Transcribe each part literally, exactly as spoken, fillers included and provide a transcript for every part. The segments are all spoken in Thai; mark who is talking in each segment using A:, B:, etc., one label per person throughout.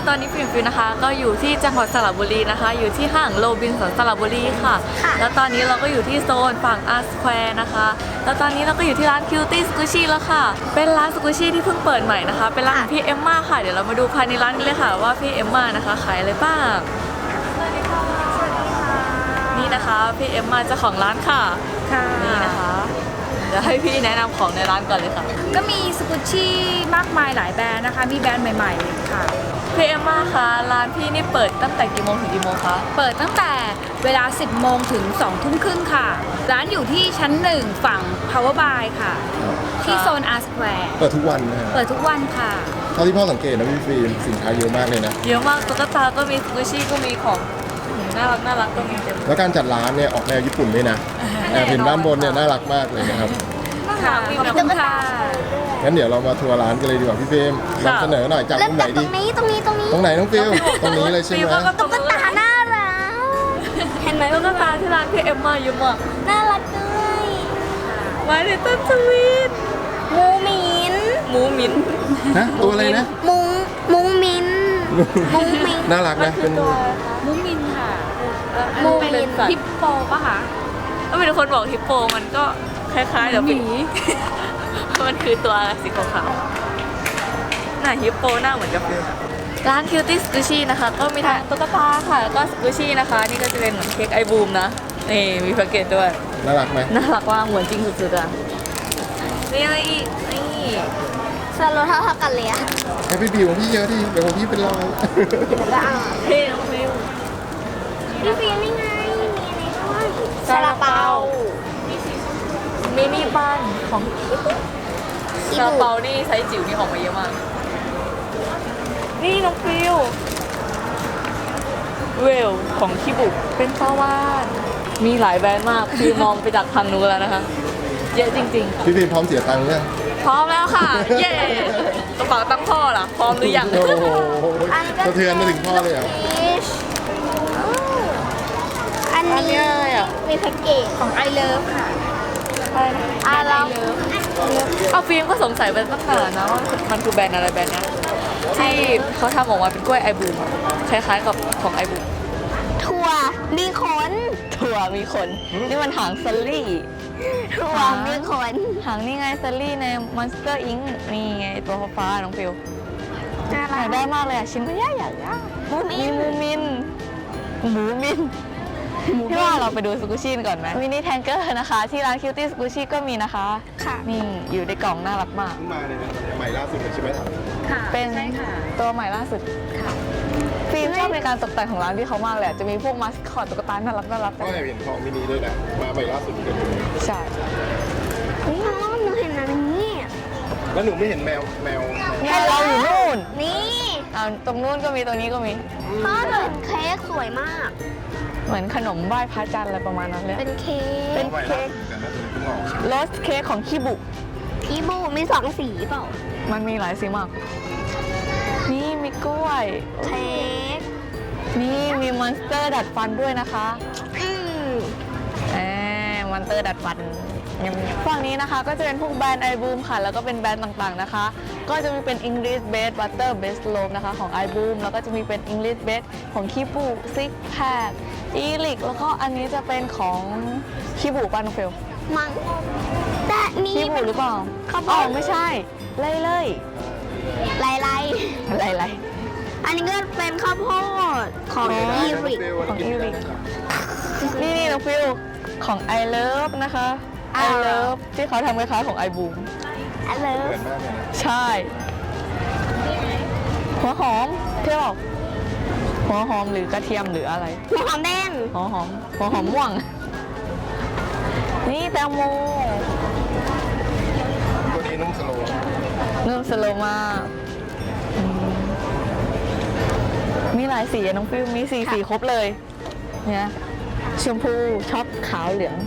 A: ตอนนี้ฟิล์มฟิวนะคะก็อยู่ที่จังหวัดสระบุรีนะคะอยู่ที่ห้างโรบินสันสระบุรีค่ะแล้วตอนนี้เราก็อยู่ที่โซนฝั่งอาร์สแควร์นะคะแล้วตอนนี้เราก็อยู่ที่ร้านคิวตี้สกูชี่แล้วค่ะเป็นร้านสกูชี่ที่เพิ่งเปิดใหม่นะคะเป็นร้านของพี่เอมม่าค่ะเดี๋ยวเรามาดูภายในร้านกันเลยค่ะว่าพี่เอมม่านะคะขายอะไรบ้างสวัสดีค่ะสวัสดีค่ะนี่นะคะพี่เอมม่าเจ้าของร้านค่ะนี่นะคะเดี๋ยวให้พี่แนะนำของในร้านก่อนเลยค่ะ
B: ก็มีสกุชชี่มากมายหลายแบรนด์นะคะมีแบรนด์ใหม่ๆค่ะ
A: พี่เอมม่าคะร้านพี่นี่เปิดตั้งแต่กี่โมงถึงกี่โมงคะ
B: เปิดตั้งแต่เวลาสิบโมงถึงสองทุ่มครึ่งค่ะร้านอยู่ที่ชั้นหนึ่งฝั่ง Power By ค่ะที่โซน R Square
C: เปิดทุกวันนะฮะ
B: เปิดทุกวันค่ะ
C: เท่าที่พ่อสังเกตนะพี่ฟิล์มสินค้าเยอะมากเลยนะ
A: เยอะมากตุ๊กตาก็มีสกูชี่ก็มีของน่ารักน่ารักก็มีเต็ม
C: แล้วการจัดร้านเนี่ยออกแนวญี่ปุ่นด้วยนะแอบเห็นด้านบนเนี่ยน่ารักมากเลยนะครับ
A: ค่ะขอบคุณค่ะ
C: งั้นเดี๋ยวเรามาทัวร์ร้านกันเลยดีกว่าพี่ฟิล์มนำเสนอหน่อยจากมุมไหนดี
D: ตรงนี้ตรงนี้ตรงนี้
C: ตรงไหนน้องฟิลตรงนี้เลยใช่ไหม
D: ตุ๊กตาน่ารักเห็นไหม
A: ตุ๊กตาที่ร้านพี่เอมม่าเยอะมาก
D: น่ารักด้วย
A: มาในต้นสวีท
D: มูมิน
A: หมูมิน
C: ฮะตัวอะไรนะ
D: มุงมุงมินมุงมิน
C: น่ารักนะเป็น
B: มุ้งมินค่ะ
A: มูมิน
B: ฮิปโปป่ะคะ
A: ก็มีคนบอกฮิปโปมันก็คล้ายๆเดี๋ยวหมีมันคือตัวสีขาวๆหน้าฮิปโปหน้าเหมือนกับฟิลร้านคิวตี้สกูชี่นะคะก็มีทั้งตุ๊กตาค่ะแล้วก็สกูชี่นะคะนี่ก็จะเป็นเหมือนเค้กไอบูมนะนี่มีแพ็กเกจด้วย
C: น่ารักไหม
A: น่ารักว่าเหมือนจริงสุดๆอ่ะนี่อะไรอีกนี่
D: สโลเท่าเท่ากันเลยอะ
C: แฮปปี้บิวของพี่เยอะดิเดี๋ยวของพี่เป็นรอย
A: เท่น้องฟิล
D: พี่ฟิลนี่ไงมีอะไรบ้างซาลาเปา
A: มินิบันของซาลาเปานี่ไซส์จิ๋วนี่ออกมาเยอะมากนี่น้องฟิวเวลของคิบุเป็นปลาวานมีหลายแบรนด์มากคือมองไปจากทางนู้นแล้วนะคะเยอะจริง
C: ๆพี่ฟิวพร้อมเสียตังค์ยัง
A: พร้อมแล้วค่ะเย้กระเป๋าตั้งพ่อล่ะพร้อมหรือยัง
C: โอ้โหสะเทือนมาถึงพ่อเลยอ่ะ
D: อันนี้มีแพ็กเกจ
B: ของ I Love ค่ะ
D: อาร์
A: เอาฟิล์มก็สงสัยไปตั้งนานนะว่ามันคือแบรนด์อะไรแบรนด์นี้ที่เขาทำออกมาเป็นกล้วยไอบูมคล้ายๆกับของไอบูม
D: ถั่วมีขน
A: ถั่วมีขนนี่มันหางซัลลี่
D: ถั่วมีขน
A: หางนี่ไงซัลลี่ใน Monster อิงค์ นี่ไงตัวฟ้าน้องฟิวอยากได้มากเลยอ่ะชิ้นก็ยากอยากยากมีมูมินหมูมินพี่ว่าเราไปดูสกูชี่ก่อนไหมมินิแทงเกอร์นะคะที่ร้านคิวตี้สกูชี่ก็มีนะคะค่ะนี่อยู่ในกล่องน่ารักมาก
C: มาเลยนะใหม่ล่าสุดเลยใช่ไหม
B: ค่ะ
A: เป็นตัวใหม่ล่าสุดค่ะฟิล์มชอบในการตกแต่งของร้านที่เขามากเลยจะมีพวกมาสคอตตุ๊กตาน่ารักน่ารัก
C: ก็เห็นของมินิด้วยนะมาใหม่ล่าสุดเลย
A: ใช่
D: นี่หนูเห็นอะไรนี่
C: แล้วหนูไม่เห็นแมวแมว
A: แมวเราอยู่นู่น
D: นี่
A: อ่าตรงนู้นก็มีตรงนี้ก็มี
D: พ่อหนูเห็นเค้กสวยมาก
A: เหมือนขนมไหว้พระจันทร์อะไรประมาณนั้นเลย
D: เป็นเค้ก
A: เป็นเค้กโรสเค้กของคิบุ
D: คิบุมีสองสีเปล่า
A: มันมีหลายสีมากนี่มีกล้วย
D: เค้ก
A: นี่มีมอนสเตอร์ดัดฟันด้วยนะคะ
D: อืม
A: แหมมอนสเตอร์ดัดฟันฝั่งนี้นะคะก็จะเป็นพวกแบรนด์ไอบูมค่ะแล้วก็เป็นแบรนด์ต่างๆนะคะก็จะมีเป็น English Base Butter Base Loaf นะคะของ ไอ บูม แล้วก็จะมีเป็น English Base ของคิบุ Six Pack อีลิกแล้วก็อันนี้จะเป็นของคิบุปานุเฟล
D: มังแต่นี่
A: คิบุหรือเปล่าอ๋อไม่ใช่ไล่ไล่
D: ไล่ไล่
A: ไล่ไล่
D: อันนี้ก็เป็นข้าวโพดของอีริก
A: ของอีริกนี่นี่น้องฟิลของ I Love นะคะ I Love ที่เขาทำคล้ายๆของ ไอ บูม
D: I Love
A: ใช่หัวหอมเที่ยวหัวหอมหรือกระเทียมหรืออะไร
D: หัวหอมแดง
A: หัวหอมหัวหอมม่วงนี่แตงโม
C: ตัวนี้นุ่มสโลว์
A: นุ่มสโลว์มากมีหลายสีน้องฟิวมีสีสีครบเลยเนี่ยชมพูช็อปขาวเหลือง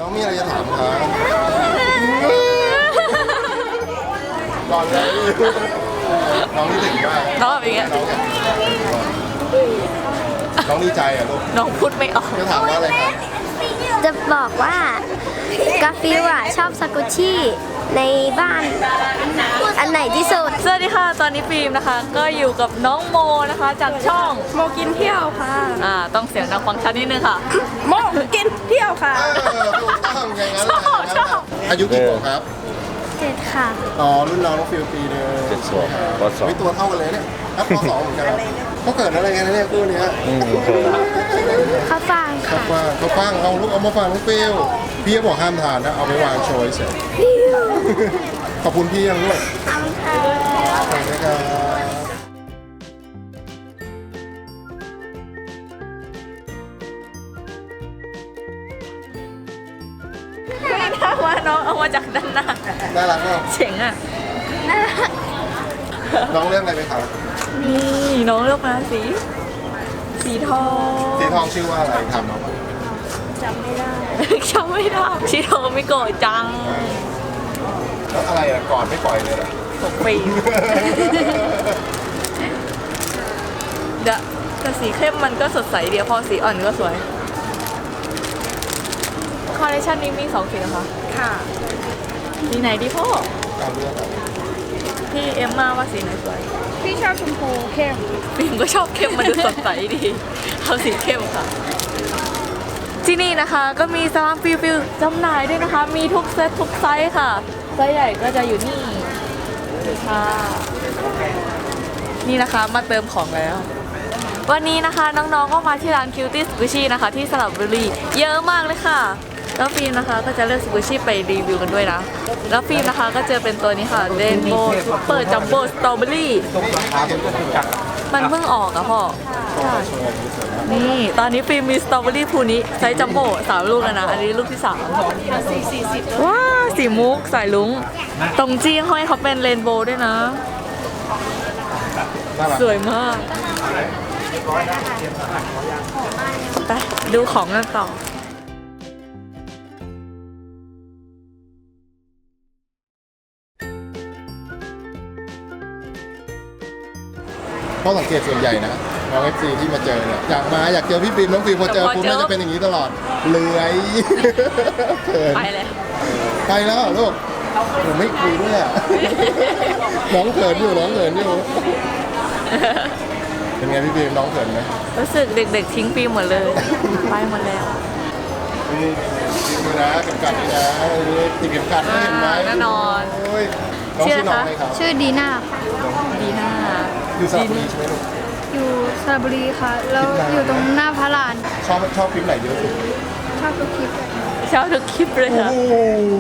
C: น้องมีอะไรจะถามครับก่อนเลยน้องนี่ถึงมาก
A: น้องแบบอย่างเงี้ย
C: น้องน้องดีใจอ่ะลูก
A: น้องพูดไม่ออก
C: จะถามว่าอะไรครับ
D: จะบอกว่ากาฟิวอ่ะชอบสกุชชี่ในบ้าน อันไหนที่สุด
A: สวัสดีค่ะ ตอนนี้ฟิล์มนะคะ ก็อยู่กับน้องโมนะคะ จากช่อง
B: โมกินเที่ยวค่ะ
A: อ่าต้องเสียงดังฟังชัดนิดนึงค่ะ
B: โมกินเที่ยวค่ะ
C: เออถูกต้องอย่างนั้น
A: ชอบชอบ
C: อายุกี่ขวบครับ
D: เจ็ดค่ะ
C: อ๋อรุ่นน้องน้องฟิลปีเดิม
E: เจ็ดขวบปสอง
C: ไม่ตัวเท่ากันเลยเนี่ยครับปสองเหมือนกันเขาเกิดอะไรกันนะเนี่ยคู่เนี้ย
E: อืมเคย
D: ข้าวฟ่าง
C: เขา
D: ค่ะ
C: ฟังเขาฟังเอาลูกเอามาฟังน้องฟิลพี่ก็บอกห้ามทานนะเอาไปวางโชยเสร็จขอบคุณพี่ยังด้วยขอบคุณนะครับ
A: ถ้าว่าน้องเอามาจากด้านหน้า
C: น่ารักมาก
A: เจ๋งอ่ะ
C: น้องเรื่องอะไรไหมครับ
A: นี่น้องเลือกมาสี สีทอง
C: สีทองชื่อว่าอะไรถามน้อง
A: จำไม่ได้สีทองไม่โกรธจัง
C: แล้วอะไรอ่ะก่อนไม่ปล่อยเลยเหรอ
A: หกปีเดี๋ยวแต่สีเข้มมันก็สดใสเดียวพอสีอ่อนก็สวยคอลเลคชันนี้มีสองสีนะคะ
B: ค่ะ
A: สีไหนดีพ่อ
C: ตามเรื่องอะไร
A: พี่เอ็มมาว่าสีไหนสวย
B: พี่ชอบชมพูเข้ม
A: ฟิล์มก็ชอบเข้มมันดูสดใสดีเอาสีเข้มค่ะ ที่นี่นะคะก็มีสลามฟิลฟิลจำหน่ายด้วยนะคะ มีทุกเซตทุกไซส์ค่ะ ไซส์ใหญ่ก็จะอยู่นี่นี่ค่ะ นี่นะคะมาเติมของแล้ว วันนี้นะคะน้องๆก็มาที่ร้าน Cutie Squishy นะคะ ที่สระบุรีเยอะมากเลยค่ะ แล้วฟิล์มนะคะก็จะเลือก Squishy ไปรีวิวกันด้วยนะ แล้วฟิล์มนะคะก็เจอเป็นตัวนี้ค่ะ Rainbow Super Jumbo Strawberry มันเพิ่งออกอะพ่อ นี่ ตอนนี้ฟิล์มมีสตรอเบอรี่ภูนี้ไซส์จัมโบ้สามลูกแล้วนะ อันนี้ลูกที่สามว้าสีมุกสายลุงตรงจี้ห้อยเขาเป็นเรนโบว์ด้วยนะ
C: น่ารัก
A: สวยมาก ไปดูของกันต่อ
C: เพราะสังเกตส่วนใหญ่นะน้องเอฟซีที่มาเจอเนี่ยอยากมาอยากเจอพี่ฟิล์มน้องฟิล์มพอเจอ
A: พอเจอ
C: ปุ๊บน่าจะเป็นอย่างนี้ตลอดเลื้อยเขิน
A: ไปเลย
C: ไปแล้วเหรอลูกผมไม่คุยด้วยอ่ะ น้องเขินอยู่น้องเขินอยู่เป็นไงพี่ฟิล์มน้องเขินไหม
A: รู้สึกเด็กๆทิ้งฟิล์มหมดเลย ไปหมดแล้ว
C: นี่ดูนะเข็มขัดนี่นะนี่ติดเข็มขัดนะเห็นไหม
A: แน่นอน
C: โอ้ยน้องชื่อน้องอะไรครับ
B: ชื่อดีน่าค่ะ
A: ดีหน้า
C: อยู่สระบุรีใช่ไหมลูก
B: อยู่สระบุรีค่ะ แล้ว
C: คิดนาน
B: อยู่ตรงหน้าพระลาน
C: ชอบชอบคลิปไหนเยอะสุด
B: ชอบทุกคลิปเลย
A: ชอบทุกคลิปเลย
C: โอ้
A: ค่ะ
C: โห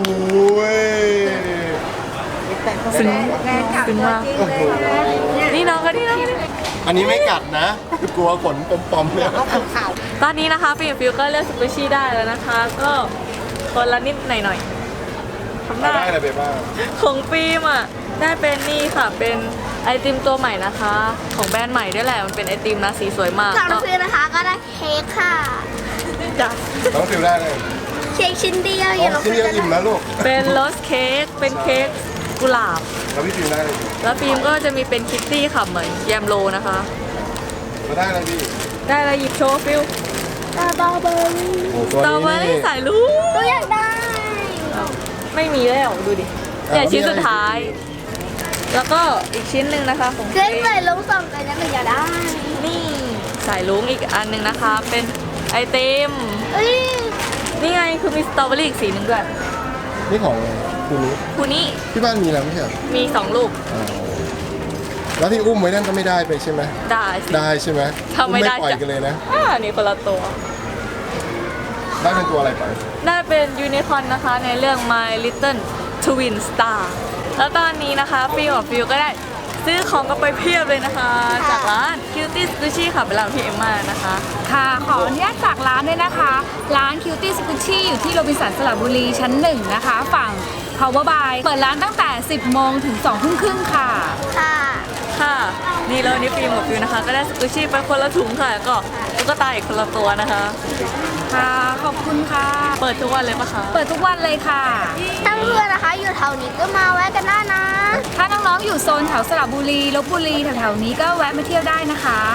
A: ซึ้งซึ้งมาก
C: โอ้โห
A: นี่น้องก็นี่น้อง
C: อันนี้ไม่กัดนะ กลัวขนปอมๆเนี่ย
A: ตอนนี้นะคะฟิล์มฟิลก็เลือกสกูชี่ได้แล้วนะคะ ก็คนละนิดหน่อยๆทำหน้า
C: ได้อะไรไปบ้าง
A: ของฟิล์มอ่ะได้เป็นนี่ค่ะเป็นไอติมตัวใหม่นะคะ ของแบรนด์ใหม่ด้วยแหละมันเป็นไอติมนะสีสวยมาก
D: สำหรับ
A: ก็
D: ฟิวนะคะก็ได้เค้กค่ะ
A: จ้ะ
C: น้องฟิวได้เลย
D: เค้กชิ้นเดียว
C: อ๋
D: อย่า
C: อ
D: เรา
C: ชิ้นเดียวอิ่มแล้วลูก
A: เป็นโรสเค้กเป็นเค้กกุหลาบ
C: แล้วพี่ฟิวได้เลย
A: แล้วฟิล์มก็จะมีเป็นคิตตี้ค่ะเหมือนแยมโลนะคะ
C: มาได้เลยพี่
A: ได้แล้วหยิบโชว์ฟิล
D: ตาบอเบอร์รี่
C: โอ้
A: สตรอเบอรี่สายลุง
D: ก็อยากได้
A: ไม่มีแล้วดูดิเนี่ยชิ้นสุดท้าย แล้วก็อีกชิ้นหนึ่งนะคะของ
D: เค้ก
A: ฟิล์
D: ใส่
A: ม
D: ลงสองกันนะหนูอยากได้
A: นี่สายลุงอีกอันหนึ่งนะคะ เป็นไอติม
D: เอ้ย
A: นี่ไงคือมีสตรอเบอรี่อีกสีหนึ่งด้วย
C: นี่ของคุณนุช
A: คูนี้
C: ที่บ้านมีแล้วไม่ใช่เหรอ
A: มีสองลูก
C: อ๋อแล้วที่อุ้มไว้นั่นก็ไม่ได้ไปใช่ไหม
A: ได้สิ
C: ได้ใช่ไหม
A: ทำไม่ได้
C: อุ้ปล่อย
A: จ้ะ
C: กันเลยนะ
A: อ่านี่คนละตัว
C: ได้เป็นตัวอะไรไป
A: ได้เป็นยูนิคอร์นนะคะในเรื่อง My Little Twin Star แล้วตอนนี้นะคะฟิลกับฟิลก็ได้ซื้อของกันไปเพียบเลยนะคะ จากร้าน Cutie Squishy ค่ะเป็นร้านพี่เอ็มมานะคะ
B: ค่ะ ขออนุญาตฝากร้านด้วยนะคะ ร้าน Cutie Squishy อยู่ที่โรบินสันสระบุรีชั้นหนึ่งนะคะ ฝั่ง Power By เปิดร้านตั้งแต่ สิบโมงถึงสองทุ่มครึ่งค่ะ
D: ค่ะ
A: ค่ะ นี่แล้ววันนี้ฟิล์มกับฟิลนะคะ ก็ได้สกูชี่ไปคนละถุงค่ะแล้วก็ตุ๊กตาอีกคนละตัวนะคะ
B: ค่ะขอบคุณค่ะ
A: เปิดทุกวันเลยปะคะ
B: เปิดทุกวันเลยค่ะ
D: ถ้าเพื่อนนะคะ อยู่แถวนี้ก็มาแวะกันได้นะ
B: ถ้าน้องๆอยู่โซนแถวสระบุรีลพบุรีแถวๆนี้ก็แวะมาเที่ยวได้นะคะ